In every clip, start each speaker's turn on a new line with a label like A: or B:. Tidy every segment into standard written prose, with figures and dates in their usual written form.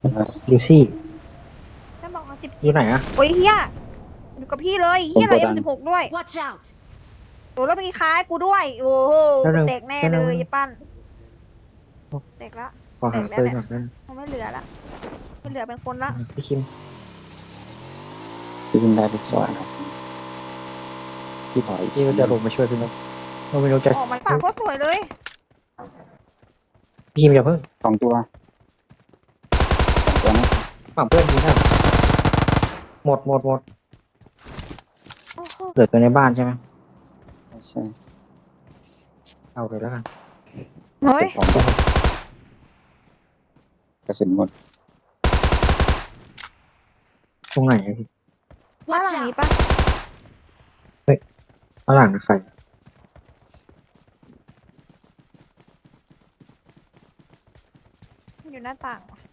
A: ลูซี่
B: ฉันบอกเอาจิบ
A: อยู่ไหนอะ
B: โอ้ยเฮียอยู่กับพี่เลยเฮียอะไร M16 ด้วย
C: Watch out!
B: โอ้แล้วมีคล้ายกูด้วย โอ้โหเด็กแน่เลยยปั้นเด็กละ
A: ขอหาปืนก่อนนะ
B: มันไม่เหลือละไม่เหลือเป็นคนละ
A: พี่คิม
D: พี่ได้ทุกซอยครับพี่ถอย
A: พี่ก็จะลงมาช่วยพี่นกเราไม่รู้จะ
B: ออกมันปากโคตรสวยเลย
A: พี่คิมอย่าเพิ่ง
D: สองตัวนะ
A: ฝั่งเพื่อนยิงนะหมด
B: โอ้โห
A: เหลือตัวในบ้านใช่ไหม
D: ใช่
A: เอาเลยแล้วกัน
B: เฮ้ย
D: สองตัวกระสุนหมด
A: ตรงไหนอะพี่
B: บ้าน
C: Watch
B: หลังนี้
C: out!
B: ปะ
A: ข้างหลังนะใคร
B: อยู่หน้าต่างว่ะ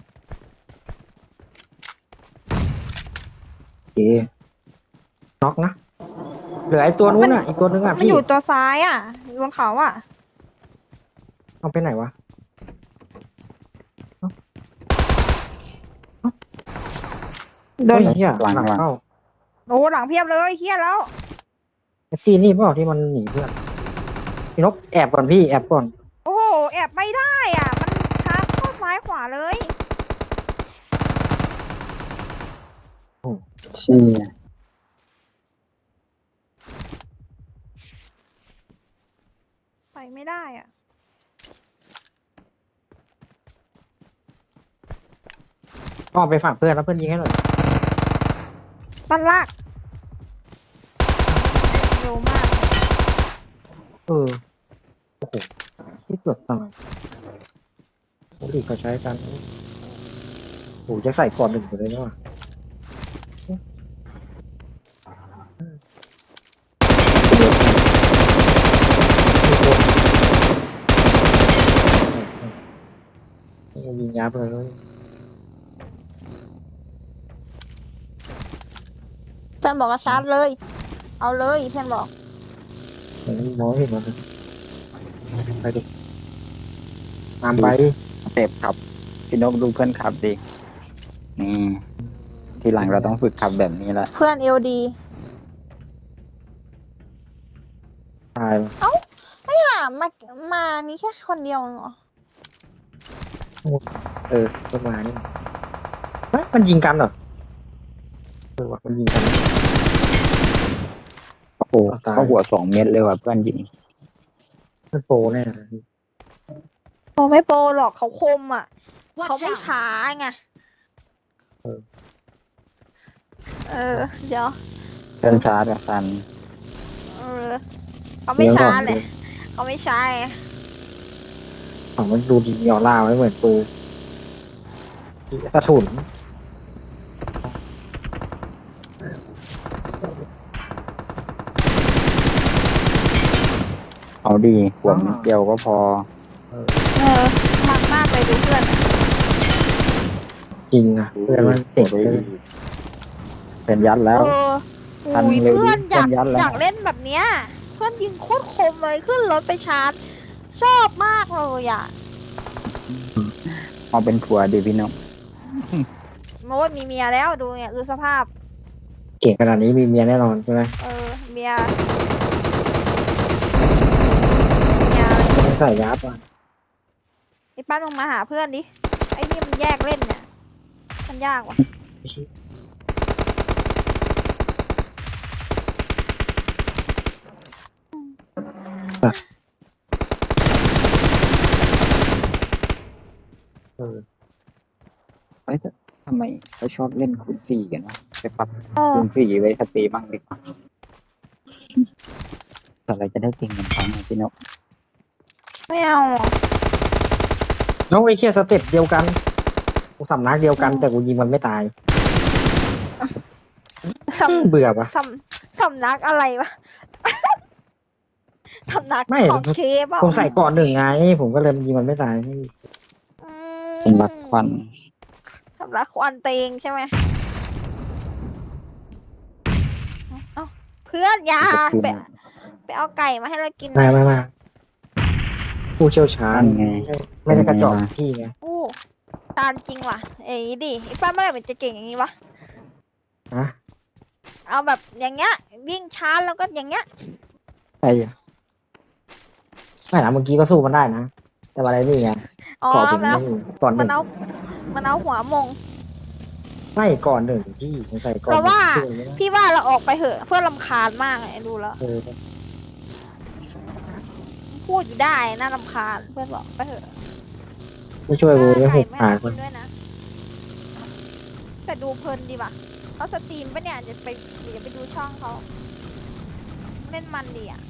A: โอเคน็อกนะเหลือไอ้ตัวนู้นอ่ะอีกตัวนึงอ่ะ
B: มัน
A: พี่
B: อยู่ตัวซ้ายอ่ะอยู่บนเขาอ่ะ
A: เอาไปไหนวะ
B: โดน
A: เฮ้ยเฮียหลังเข้า
B: โอ้หลังเพียบเลยเฮียแล้ว
A: ไอ้ตีนี่เปล่าที่มันหนีเพื่อนพี่นกแอบก่อนพี่แอบก่อน
B: โอ้โหแอบไม่ได้อ่ะมันชาร์จเข้าซ้ายขวาเลย
D: เชี่ย
B: ไปไม่ได้อ่ะ
A: ก็ไปฝากเพื่อนแล้วเพื่อนยิงให้หน่อย
B: ปั้นลากเร็วมาก
A: โอ้โหที่เกือบตายโอ้ดิเขาใช้กันโอ้จะใส่ก่อนหนึ่งอยู่เลยนะว่ะยิงยับเลย
B: เพื่อนบอกว่าชาร์จเลย เอาเลยเพื่อนบอก
A: มันน้อยเห็นมันไปดิตามไป
D: เตะขับพี่นกดูเพื่อนขับดินี่ทีหลังเราต้องฝึกขับแบบนี้ละ
B: เพื่อนเอลดี
A: ตาย
B: ไม่หามานี่แค่คนเดียวเหรอ
A: ประมาณนี้เฮ้ยมันยิงกันเหรอว่ะมันยิงกัน
D: โอ้โหเข้าหัว2 เม็ดเลยว่ะเพื่อนยิง
A: มันโปรแน่เลย
B: โอ้ไม่โปรหรอกเขาคมอ่ะ เขา
C: Watch
B: ไม่
C: out!
B: ช้าไงเดี๋ยว
D: เพื่อนชาร์จกับซัน
B: เออเขาไม่ช้าเลยเขาไม่ช้าไง
A: ของมันดูดีออร่าไว้เหมือนปูกระถุน
D: เอาดีหัวนิดเดียวก็พอ
B: มันมากเลยดูเพื่อนอะ
A: จริงอ่ะเพื่อนมันเก่งเลย
D: เป็นยัดแล้ว ทัน
B: อุ้ย
D: เร็ว
B: เพื่อน
D: ดิเพื่อนยัดแล้ว
B: อยากเล่นแบบเนี้ย เพื่อนยิงโคตรคมเลยขึ้นรถไปชาร์จ ชอบมากเลยอ่ะ
D: เอาเป็นผัวดิพี่นก
B: โน้ตมีเมียแล้วดูเนี่ยดูสภาพ
A: เก่งขนาดนี้มีเมียแน่นอนใช่ไหม
B: เมียอะไร
A: ไม่ใส่ยับอ่ะ
B: ไอ้ป้าลงมาหาเพื่อนดิ ไอ้นี่มันแยกเล่นเนี่ย มันยากว่ะ
A: เออ
D: เฮ้ยทำไมเขาชอบเล่นคูณ 4กันวะไปปรับ
B: เออ
D: คูณ 4ไว้สตรีบ้างดีกว่าแต่อะไรจะได้เก่งเหมือนเขาเนี่ยพี่นก
B: ไม่เอาอ่ะ
A: น้องไอ้เคียสเต็ปเดียวกันกูสำนักเดียวกันแต่กูยิงมันไม่ตาย
B: สำ
A: เบื่อปะ
B: สำนักอะไรวะ สำนัก
A: ไม่
B: ของเคปอ่ะ
A: ผมใส่ก่อนหนึ่งไง ผมก็เลยยิงมันไม่ตาย
D: เป็นรักควัน
B: สำนักควันเตงใช่ไหมเอ้าเพื่อนอยาไปเอาไก่มาให้เรากิน
A: มาผู้เชี่ยวชาญ
D: นั่นไง
A: ไม่ได้กระจอกพี่ไง
B: โอ้ตามจริงว่ะเอ้ยดิไอ้ป้าเมื่อไหร่มันจะเก่งอย่างนี้วะ
A: ฮะ
B: เอาแบบอย่างเงี้ยวิ่งช้าแล้วก็อย่างเงี้ย
A: ไอ้อะไม่นะเมื่อกี้ก็สู้มันได้นะ แต่ว่าอะไรนี่ไง
B: อ๋อ
A: ก่อนผม
B: มันเอา
A: ไม่มีก่อนห
B: มั
A: นึ่
B: น
A: ง
B: เอามันเอาหัวมง
A: ไม่ก่อนหนึ่งที่มันใส่ก่อน
B: เราว่า
A: หนึ่งที่
B: พี่ว่าเราออกไปเหอะเพื่อรำคาญมากไอ้ดูแล้ว
A: เออ
B: พูดอยู่ได้น่ารำคาญเพื่อนบอกไปเถอะ
A: ไม่ช่วยกูไม่
B: ไก่
A: หุบ
B: ไม่
A: หา
B: น่า
A: ค
B: กิ
A: น
B: นด้วยนะ แต่ดูเพลินดีว่ะเขาสตรีมปะเนี่ยจะไปเดี๋ยวไปดูช่องเขาเล่นมันดีอ่ะ